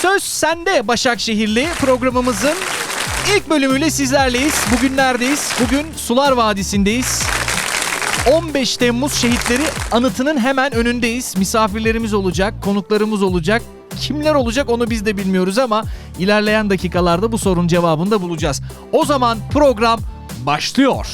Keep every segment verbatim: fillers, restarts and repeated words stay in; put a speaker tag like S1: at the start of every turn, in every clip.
S1: Söz Sende Başakşehirli programımızın ilk bölümüyle sizlerleyiz. Bugün neredeyiz? Bugün Sular Vadisi'ndeyiz. on beş Temmuz Şehitleri Anıtı'nın hemen önündeyiz. Misafirlerimiz olacak, konuklarımız olacak. Kimler olacak onu biz de bilmiyoruz ama ilerleyen dakikalarda bu sorunun cevabını da bulacağız. O zaman program başlıyor.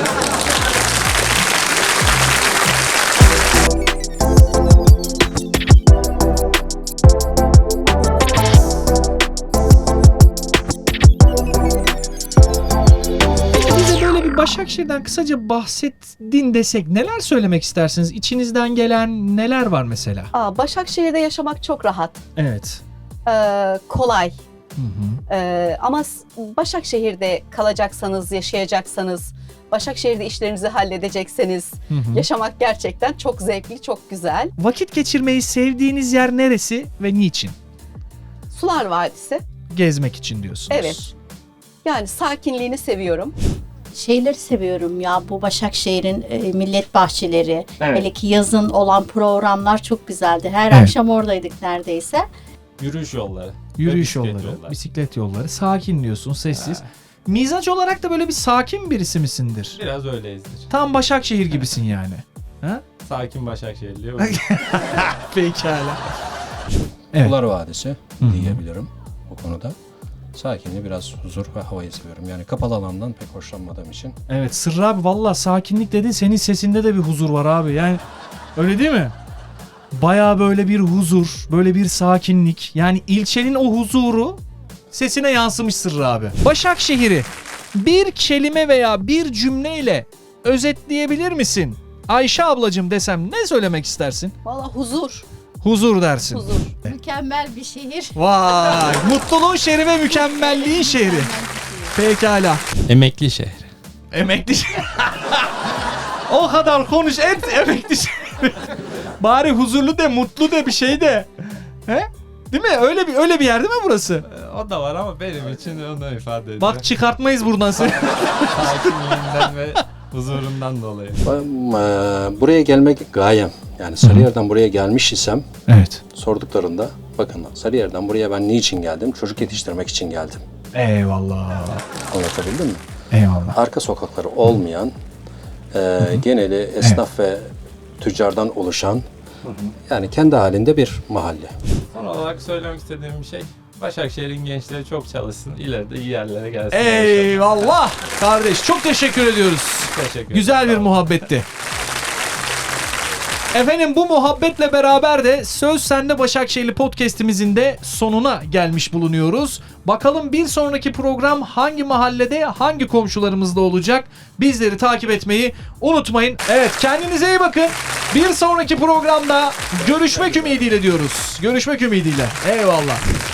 S1: Başakşehir'den kısaca bahsettin desek neler söylemek istersiniz? İçinizden gelen neler var mesela?
S2: Aa, Başakşehir'de yaşamak çok rahat.
S1: Evet.
S2: Ee, kolay.
S1: Hı hı.
S2: Ee, ama Başakşehir'de kalacaksanız, yaşayacaksanız, Başakşehir'de işlerinizi halledecekseniz
S1: Hı hı.
S2: yaşamak gerçekten çok zevkli, çok güzel.
S1: Vakit geçirmeyi sevdiğiniz yer neresi ve niçin?
S2: Sular Vadisi.
S1: Gezmek için diyorsunuz.
S2: Evet. Yani sakinliğini seviyorum.
S3: Şeyleri seviyorum ya, bu Başakşehir'in e, millet bahçeleri,
S1: Evet.
S3: hele ki yazın olan programlar çok güzeldi. Her
S1: Evet.
S3: akşam oradaydık neredeyse.
S4: Yürüyüş yolları.
S1: Yürüyüş
S4: ve
S1: yolları,
S4: bisiklet yolları.
S1: bisiklet yolları. Sakin diyorsun, sessiz.
S4: Ha.
S1: Mizaç olarak da böyle bir sakin birisi misindir?
S4: Biraz öyleyizdir.
S1: Tam Başakşehir gibisin yani. Ha?
S4: Sakin Başakşehirli.
S1: Pekala. Evet.
S5: Sular Vadisi
S1: Hı hı.
S5: diyebilirim bu konuda. Sakinliği, biraz huzur ve havayı seviyorum. Yani kapalı alandan pek hoşlanmadığım için.
S1: Evet Sırrı abi valla sakinlik dedin, senin sesinde de bir huzur var abi. Yani öyle değil mi? Baya böyle bir huzur, böyle bir sakinlik. Yani ilçenin o huzuru sesine yansımış Sırrı abi. Başakşehir'i bir kelime veya bir cümleyle özetleyebilir misin? Ayşe ablacığım desem ne söylemek istersin?
S2: Valla huzur,
S1: Huzur dersin.
S2: huzur.
S3: Mükemmel bir şehir.
S1: Vay! Mutluluğun şehri ve mükemmelliğin şehri. Pekala.
S4: Emekli şehri.
S1: Emekli şehri. O kadar konuş et emekli şehri. Bari huzurlu de, mutlu de bir şey de. He? Değil mi? Öyle bir öyle bir yer değil mi burası?
S4: Ee, O da var ama benim için onu ifade ediyor.
S1: Bak çıkartmayız buradan seni.
S4: Sakinliğinden ve huzurundan dolayı.
S5: Ben, e, buraya gelmek gayem. Yani Sarıyer'den buraya gelmiş isem
S1: Evet.
S5: sorduklarında bakın Sarıyer'den buraya ben niçin geldim? Çocuk yetiştirmek için geldim.
S1: Eyvallah.
S5: Anlatabildim mi?
S1: Eyvallah.
S5: Arka sokakları olmayan, e, geneli esnaf ve tüccardan oluşan, yani kendi halinde bir mahalle.
S4: Son olarak söylemek istediğim bir şey. Başakşehir'in gençleri çok çalışsın. İleride iyi yerlere gelsin.
S1: Eyvallah. Kardeş çok teşekkür ediyoruz.
S4: Teşekkür ederim.
S1: Güzel bir
S4: Sağ olun.
S1: muhabbetti. Efendim bu muhabbetle beraber de Söz Sende Başakşehirli podcast'imizin de sonuna gelmiş bulunuyoruz. Bakalım bir sonraki program hangi mahallede, hangi komşularımızda olacak? Bizleri takip etmeyi unutmayın. Evet kendinize iyi bakın. Bir sonraki programda görüşmek ümidiyle diyoruz. Görüşmek ümidiyle. Eyvallah.